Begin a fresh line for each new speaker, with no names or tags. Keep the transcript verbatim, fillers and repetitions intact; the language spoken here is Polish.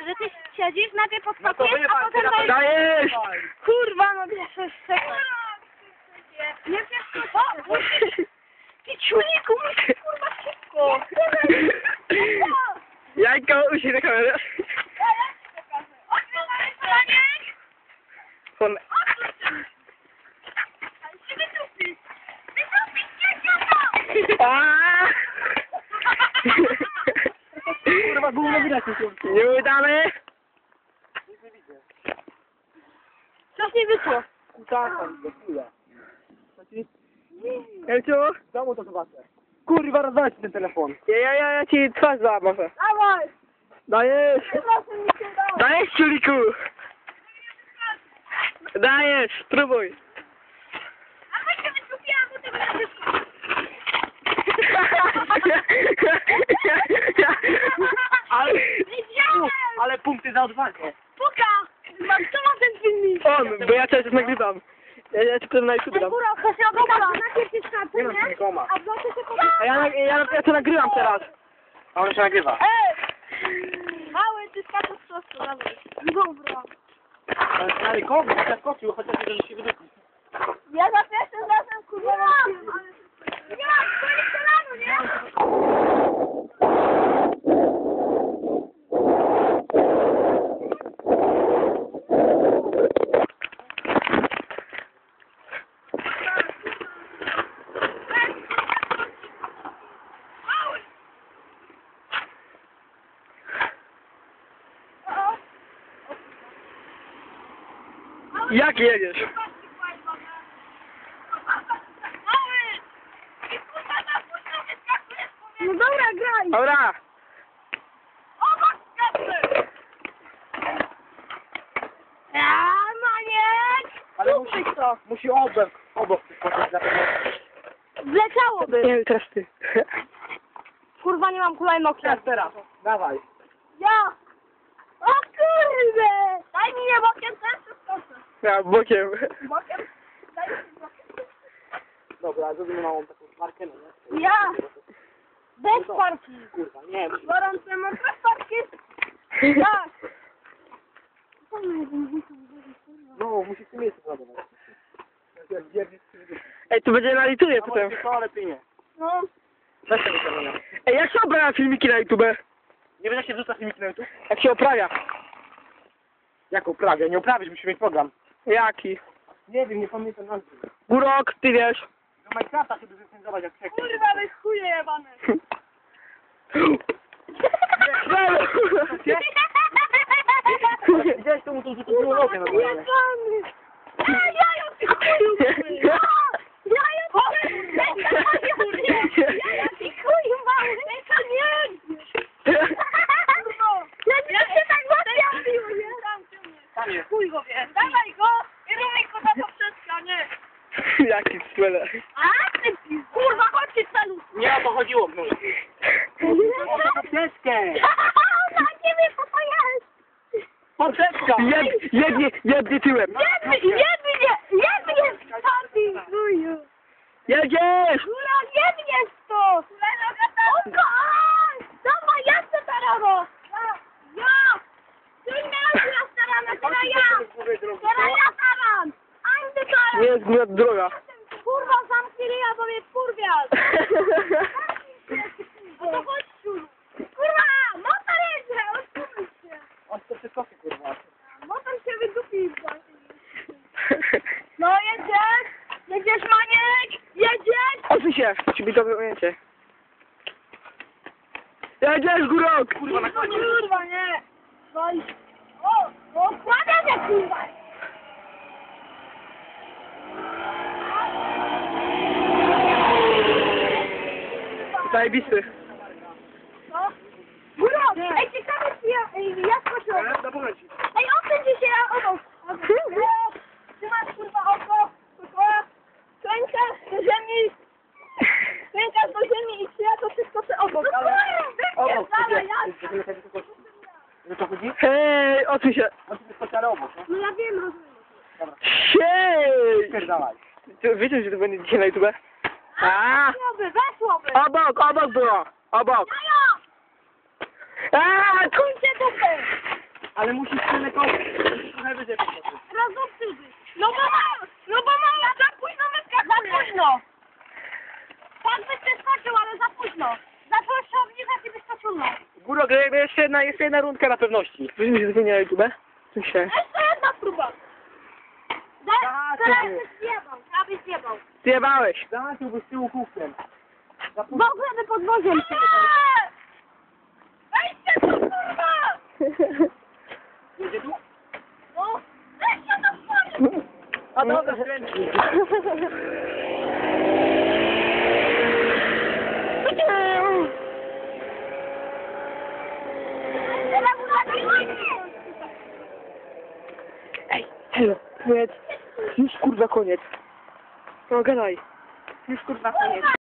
że ty siedzisz, najpierw
No to
podskakujesz, a
wyjebać,
potem
teraz
dajesz...
dajesz!
Kurwa, no wiesz, sekund. Nie wiesz, co? Ty ciuliku, musisz kurwa szybko.
Jajko, usiądź na kamerę. Fon... Aaaa!
Kurwa, gówno widać nie się.
Nie udamy!
Coś nie wyszło.
Kutasa, do chuja.
Elciu?
Czemu to zobaczę? Kurwa, rozwalać ten telefon.
Ja, ja, ja, ja ci twarz załamę.
Dawaj.
Dajesz!
Proszę mi się udało.
Dajesz, ciuliku! Dajesz, spróbuj!
A my się wyskupiłam, bo tego nie wyszło.
Ale,
Wiedziałem!
ale punkty za odwagę.
Puka! Mam, co ma ten filmik?
On, bo ja teraz nagrywam. Ja, ja ci potem na YouTube dam.
Góra, to się ogląda. Najpierw jest kartę,
Nie mam
nie?
nikoma.
A w nocy się pogląda.
A ja, ja, ja, ja to nagrywam teraz.
A on się nagrywa.
Ej! Mały, ty skaczesz w prostu, dawaj. Dobra.
Ale kogo? Chociaż skoczył, chociaż nie że się wydupił.
Ja za pierwszym razem, kurwa, nie mam, ale... Nie mam, to nie kolano, nie?
Jak jedziesz?
No dobra, graj!
Dobra!
Ja, maniek!
Ale musi,
to!
musi obok, obok skoczyć za
Wleciałoby!
Nie, teraz ty.
Kurwa, nie mam hulajnogi.
Teraz, teraz. Dawaj.
Ja! O kurde! Daj mi je bokiem też, czy skoczę?
Ja, bokiem.
Bokiem? Daj mi bokiem.
Dobra, zrobimy małą taką markę, no nie?
Ja! Bez parki!
Kurwa, nie. musi-
Gorące mam bez parki! Tak!
No, musisz w tym miejscu załadować. Jak wierzysz, to wydupisz.
Ej, tu będzie na YouTube
A
potem.
może to, ale ty nie.
No,
Weź tego kamienia.
Ej, jak się oprawia filmiki na YouTube?
Nie wiesz, jak się wrzuca filmiki na YouTube?
Jak się oprawia?
Jak uprawię? Nie uprawisz, musimy mieć program.
Jaki?
Nie wiem, nie pamiętam nazwy.
Górok, ty wiesz.
Do Minecrafta się zrecenzować jak przekaz.
kurwa, wy chuje jebane!
Brawo!
Widziałeś, to mu to rzuciło nogę na dole.
Jebany! Ej, jajo, ty chuju! Jajo, ty jajo, ty chuju mały! To nie! Ja nie się tak zapiawił, nie?
Tam jest.
Chuj go wie! Dawaj go! I rumy go na poprzeczka, nie!
Jaki cwele.
A ty kurwa, chodź się celu!
Nie o to chodziło, no. O poprzeczkę!
Na ciebie co to jest?
Poprzeczka!
Jed, jednie, jednie tyłem.
Jedny, jedny, jedny jest taki chuju!
Jedziesz!
Kula, jednie jest to! Oko! Dawaj, ja chcę teraz! Ja! Ty miałeś na starana, teraz ja! Teraz ja taran! Andy taran!
Nie jest góra droga.
Kurwa, zamknij ryja, bo mnie wkurwiasz! No to chodź tu! Kurwa, motor jedzie! Odsuń się!
On to przeskoczy, kurwa.
Motor się wydupił właśnie. No jedziesz! Jedziesz, Maniek! Jedziesz!
Odsuń się, ci mi to wyjęcie. Jedziesz, górok!
Kurwa, na końcu.
Kurwa, nie! No i... O! No składam się, kurwa!
Zajebisty.
No! Górok! Ej, ciekawe, czy ja... Ej, ja skoczyłem!
Na momencie.
Ej, odsuń się, ja obok! Obok! Trzymasz, kurwa, oko! Kurwa! Klękasz do ziemi! Klękasz do ziemi i czy ja to wszystko sobie obok, ale...
Obok,
Dawaj,
gdzie?
ja...
Żeby lepiej wyskoczyć. Że to chodzi?
Hej, odsuń się.
On tu wyskoczy, ale obok, no.
No ja wiem, rozumiem.
Dobra.
Hej!
Pierdalaj.
Ty Wiecie, że to będzie dzisiaj na YouTube? A,
Weszłoby, weszłoby!
obok, obok było. Obok.
Jajo!
A, tu...
Kurczę dupę!
Ale musisz tyle koło. Trochę wyżej podskoczyć.
Rozumcy. No bo mam, no bo mam za późno wyskakuje. Za późno. Tak byś przeskoczył, ale za późno. Zacząłeś się obniżać i byś to ciągnął.
Góro, jeszcze jedna, jeszcze jedna rundka na pewności. Weźmy się zmienia na YouTube. Tu się.
Jeszcze jedna próba.
Tak,
Teraz
ty.
byś zjebał, teraz byś zjebał.
Zjebałeś.
Zacząłbyś tyłu kółkiem. Za
W
późno.
ogóle by podwoziem się. Weźcie to, kurwa!
Jedzie tu?
No, weźcie to swoje!
A dobra, skręci.
Teraz uważaj!
Ej, halo, koniec. Już kurwa koniec. No gadaj. Już kurwa koniec.